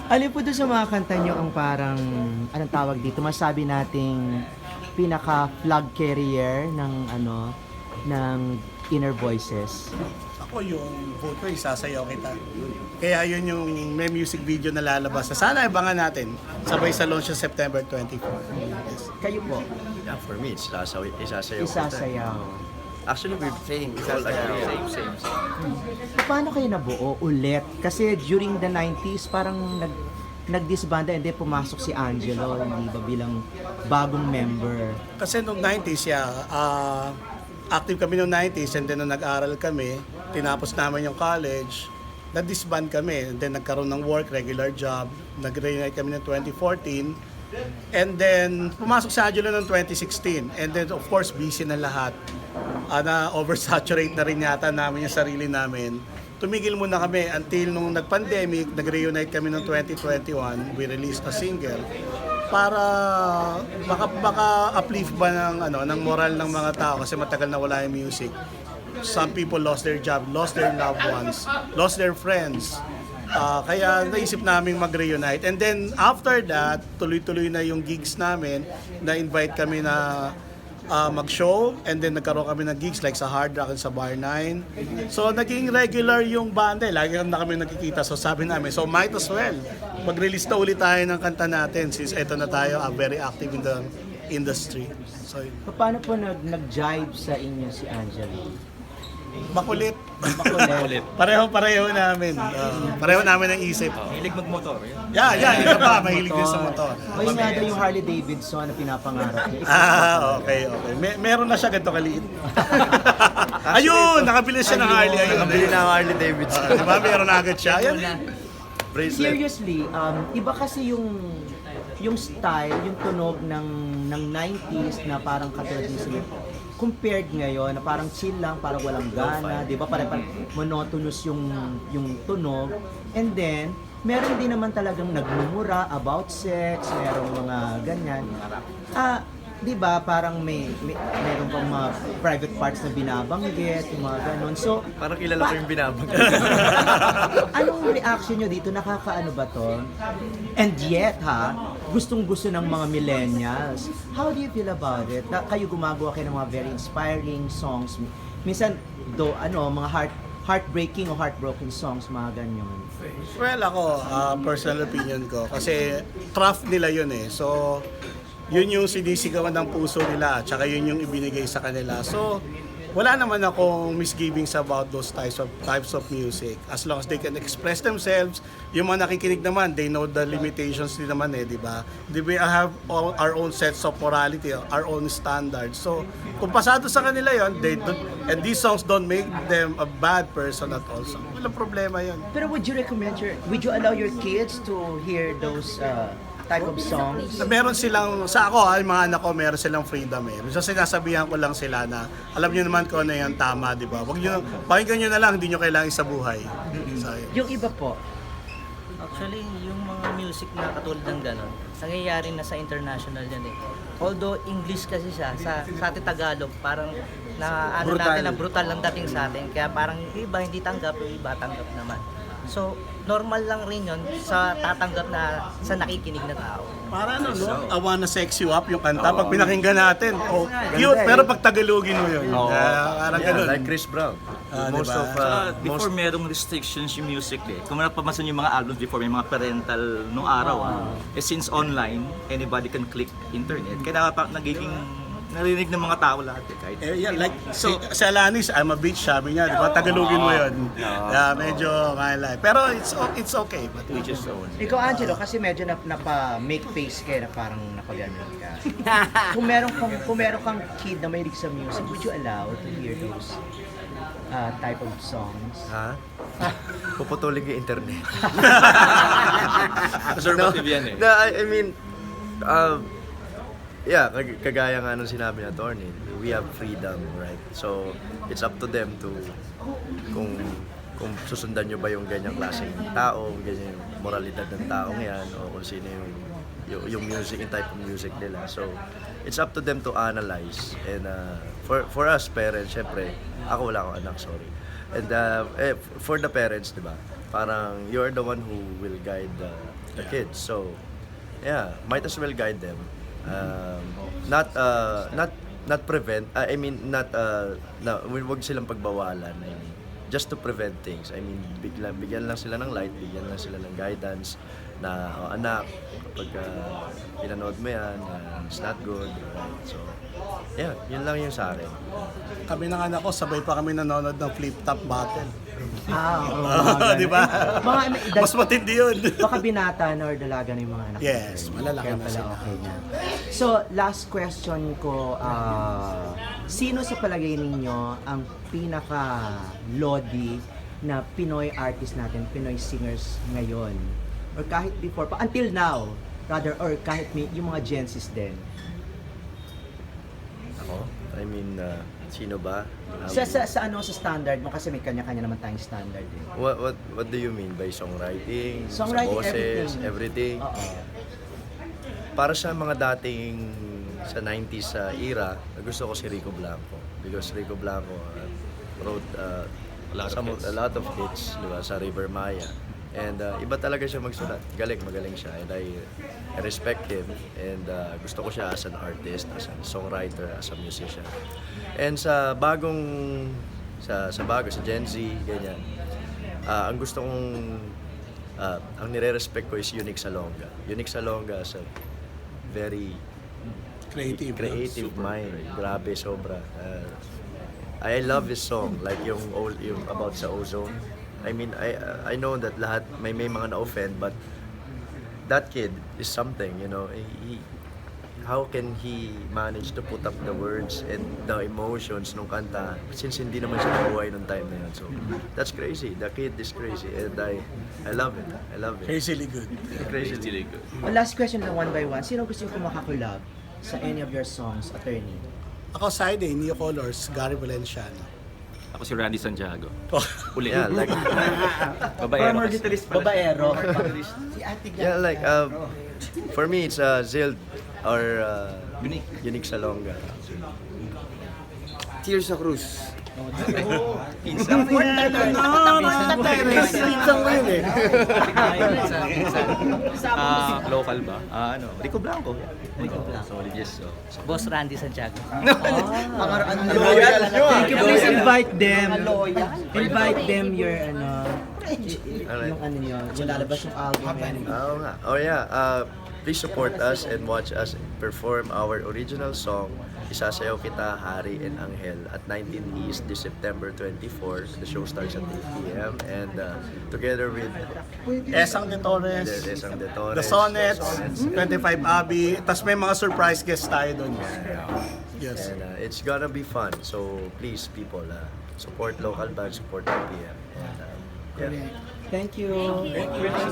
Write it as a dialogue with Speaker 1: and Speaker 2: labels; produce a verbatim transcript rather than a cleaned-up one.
Speaker 1: Alin po doon sa mga kanta nyo ang parang, anong tawag dito, masabi nating pinaka-flag carrier ng ano, ng Inner Voices?
Speaker 2: Ako yung vote ko, isasayaw kita. Kaya yun yung may music video na lalabas. Sana abangan natin. Sabay sa launch sa September twenty-fourth. Yes.
Speaker 1: Kayo po,
Speaker 3: Yeah, for me, it's isasayaw. Isasayaw. ko
Speaker 1: isasayaw.
Speaker 3: tayo. Actually, we've
Speaker 4: Same,
Speaker 3: all agree.
Speaker 4: same, same, same.
Speaker 1: Paano kayo nabuo ulit? Kasi during the nineties, parang nag nag-disbanda and then pumasok si Angelo, hindi ba, bilang bagong member.
Speaker 2: Kasi noong nineties, yeah, ah, active kami noong nineties and then nung nag-aral kami, tinapos namin yung college, na-disband kami. And then nagkaroon ng work, regular job, nag-reunite kami ng twenty fourteen. And then, pumasok si Angelo noong twenty sixteen. And then, of course, busy na lahat. Uh, na oversaturate na rin yata namin yung sarili namin. Tumigil muna kami until nung nag-pandemic, nag-reunite kami noong twenty twenty-one. We released a single para baka, baka uplift ba ng, ano, ng moral ng mga tao kasi matagal na wala yung music. Some people lost their job, lost their loved ones, lost their friends. Ah, kaya naisip namin mag-reunite. And then after that, tuloy-tuloy na yung gigs namin. Na-invite kami na ah, mag-show. And then nagkaroon kami ng gigs like sa Hard Rock and sa Bar nine. So naging regular yung banda. Lagi na kami nakikita. So sabi namin, so might as well. Mag-release na ulit tayo ng kanta natin since eto na tayo, ah, very active in the industry. So
Speaker 1: Paano po nag nag-jive sa inyo si Angelo?
Speaker 2: makulit.
Speaker 1: Makulit.
Speaker 2: Pareho-pareho namin. Ah, pareho namin ang isip.
Speaker 4: Hilig magmotor. Yun.
Speaker 2: Yeah, yeah, ito pa, mahilig din sa motor.
Speaker 1: May nga daw yung Harley Davidson na pinapangarap niya.
Speaker 2: Ah, okay, okay. May, meron na siya ganito kaliit. Ayun, nakabili siya ng Harley. Ayun,
Speaker 3: Nakabili
Speaker 2: ayun.
Speaker 3: na ang Harley Davidson.
Speaker 2: Ah, di ba, meron na agad siya. Ayun.
Speaker 3: Bracelet.
Speaker 1: Seriously, um, iba kasi yung yung style, yung tunog ng ng nineties na parang katulad ni Sir, compared ngayon na parang chill lang, parang walang gana, 'di ba? Parang, parang monotonous yung yung tunog. And then meron din naman talagang nagmumura about sex, merong mga ganyan. Ah, 'di ba? Parang may, may meron pang mga private parts na binabanggit, yung mga ganon. So,
Speaker 3: Parang kilala ko yung binabag.
Speaker 1: anong reaction nyo dito? Nakakaano ba to? And yet, ha, gustong-gusto ng mga millennials. How do you feel about it? Na kayo gumagawa kayo ng mga very inspiring songs. Minsan, do, ano, mga heart heartbreaking o heartbroken songs, mga ganyan.
Speaker 2: Well, ako, ah, personal opinion ko. Kasi craft nila yun eh. So, yun yung sinisigawan ng puso nila. Tsaka yun yung ibinigay sa kanila. So, wala naman akong misgivings about those types of types of music. As long as they can express themselves, yung mga nakikinig naman, they know the limitations din naman eh, di ba? We have all, our own sets of morality, our own standards. So, kung pasado sa kanila yon, they don't, and these songs don't make them a bad person at all. So, walang problema yon.
Speaker 1: Pero would you recommend your, would you allow your kids to hear those uh, type of songs?
Speaker 2: Meron silang, sa ako ha, yung mga anak ko, meron silang freedom eh. So sinasabihan ko lang sila na, alam nyo naman kung ano yung tama, di ba? Wag nyo, pakinggan nyo na lang, hindi nyo kailangan sa buhay. So, yun.
Speaker 1: Yung iba po,
Speaker 5: Actually, yung mga music na katulad ng gano'n, nangyayari na sa international yan eh. Although English kasi siya, sa, sa atin Tagalog, parang na ano
Speaker 4: Brutal.
Speaker 5: natin na brutal lang dating sa atin. Kaya parang yung iba hindi tanggap, yung iba tanggap naman. So, normal lang rin yun sa tatanggap na sa nakikinig na tao.
Speaker 2: Para ano, no? I wanna sex you up yung kanta. Pag pinakinggan natin, oh, cute, pero pag Tagalogin mo yun.
Speaker 3: Oo.
Speaker 2: Ah, parang
Speaker 3: Yeah,
Speaker 2: ganun.
Speaker 3: like Chris Brown.
Speaker 2: Ah,
Speaker 3: most
Speaker 2: diba?
Speaker 3: of,
Speaker 4: Saka,
Speaker 3: uh, most
Speaker 4: before merong restrictions yung music eh. Kung napapansin yung mga albums before, may mga parental nung araw ah. Eh since online, anybody can click internet. Kaya pa nagiging narinig ng mga tao lahat eh. Kahit,
Speaker 2: Eh, yeah, like, so, si Alanis, I'm a bitch, sabi niya, di ba? Tagalogin mo yun. Yeah, medyo kaila. Pero it's o- it's okay. But,
Speaker 4: which is so.
Speaker 1: ikaw Angelo, kasi medyo nap, napa-make face ka, na parang napaganon ka. kung meron kang, kung meron kang kid na mahilig sa music, would you allow to hear those uh, type of songs?
Speaker 3: Ha? Puputulin yung internet.
Speaker 4: Conservative yan eh.
Speaker 3: No, I, I mean, uh, yeah, kag- kagaya nga nung sinabi na Tony, we have freedom, right? So, it's up to them to kung kung susundan nyo ba yung ganyang klaseng tao, ganyan yung moralidad ng tao yan, o kung sino yung, yung, yung music, yung type of music nila. So, it's up to them to analyze. And uh, for for us parents, syempre, ako wala akong anak, sorry. And uh, eh, for the parents, di ba? Parang you're the one who will guide the the kids. So, yeah, might as well guide them. Um, not uh, not not prevent. uh, I mean not uh, na wag silang pagbawalan. I mean, just to prevent things. I mean, bigla, bigyan lang sila ng light, bigyan lang sila ng guidance na, oh, anak, kapag uh, pinanood mo yan, uh, it's not good, right? So, yeah, yun lang yung sa akin.
Speaker 2: Kami ng anak ko, sabay pa kami nanonood ng flip-top battle.
Speaker 1: Ah, oo.
Speaker 2: Ah, di ba?
Speaker 1: Mga, dal-
Speaker 2: Mas matindi yun.
Speaker 1: baka binata na or dalaga na yung mga anak.
Speaker 2: Yes,
Speaker 1: mo.
Speaker 2: malalaki
Speaker 1: Kaya
Speaker 2: na
Speaker 1: pala
Speaker 2: sila.
Speaker 1: okay na. So, last question ko, ah, sino sa palagay ninyo ang pinaka-lodi na Pinoy artist natin, Pinoy singers ngayon? Or kahit before, pa until now, rather, or kahit may, yung mga Gen Zs din.
Speaker 3: Ako? I mean, uh, sino ba? Um,
Speaker 1: Sa, sa, sa ano, sa standard mo, kasi may kanya-kanya naman tayong standard eh.
Speaker 3: What, what, what do you mean by songwriting?
Speaker 1: Songwriting,
Speaker 3: sa boses,
Speaker 1: everything.
Speaker 3: everything?
Speaker 1: Oo.
Speaker 3: Para sa mga dating sa nineties uh, era, gusto ko si Rico Blanco. Because Rico Blanco uh, wrote uh,
Speaker 4: A lot of
Speaker 3: some
Speaker 4: hits.
Speaker 3: a lot of hits, di ba, sa River Maya. And uh, iba talaga siya magsulat. Galing, magaling siya. And I, I respect him. And uh, gusto ko siya as an artist, as a songwriter, as a musician. And sa bagong, sa, sa bago, sa Gen Z, ganyan. Uh, ang gusto kong, uh, ang nire-respect ko is Unique Salonga. Unique Salonga is a very
Speaker 2: Creative.
Speaker 3: creative mind. Grabe, sobra. Uh, I love his song, like yung, old, yung about sa ozone. I mean, I I know that lahat may may mga na-offend, but that kid is something, you know. He, how can he manage to put up the words and the emotions nung kanta since hindi naman siya nabuhay nung time na yun. So, that's crazy. The kid is crazy and I I love it. I love it.
Speaker 2: Crazily good.
Speaker 3: Crazy.
Speaker 1: Oh, last question lang, one by one. Sino gusto yung kumakakulab sa any of your songs, attorney?
Speaker 2: Ako side eh, Neo Colors, Gary Valenciano.
Speaker 4: Ako si Randy Santiago. Uli.
Speaker 3: Yeah, like
Speaker 4: Babaero
Speaker 1: Former
Speaker 4: kasi.
Speaker 1: guitarist pala. Babaero.
Speaker 3: yeah, like uh, for me it's uh, Zild or uh,
Speaker 4: Unique.
Speaker 3: Unique Salonga.
Speaker 6: Tears sa Cruz.
Speaker 4: Pinsan.
Speaker 2: Pinsan ko yun eh.
Speaker 4: Ah, local ba? Ah, ano? Rico Blanco. Rico Blanco. Solid, yes. So.
Speaker 5: Boss Randy Santiago.
Speaker 1: Loyal. Thank you. Please invite them. Invite them your ano,
Speaker 3: Alright.
Speaker 1: yung ano nyo, yung lalabas yung album. and-
Speaker 3: Oo nga. Oh yeah. Uh, please support us and watch us perform our original song Isasayaw Kita, Hari and Anghel at nineteen East this September twenty-fourth. The show starts at eight p m and uh, together with
Speaker 2: Esang de Torres,
Speaker 3: the Esang de Torres,
Speaker 2: The Sonnets, twenty-five Abby, tas may mga surprise guests tayo doon. Yes.
Speaker 3: and uh, it's gonna be fun. So please people, uh, support local bands, support R P M. And, uh, yeah.
Speaker 1: Thank you.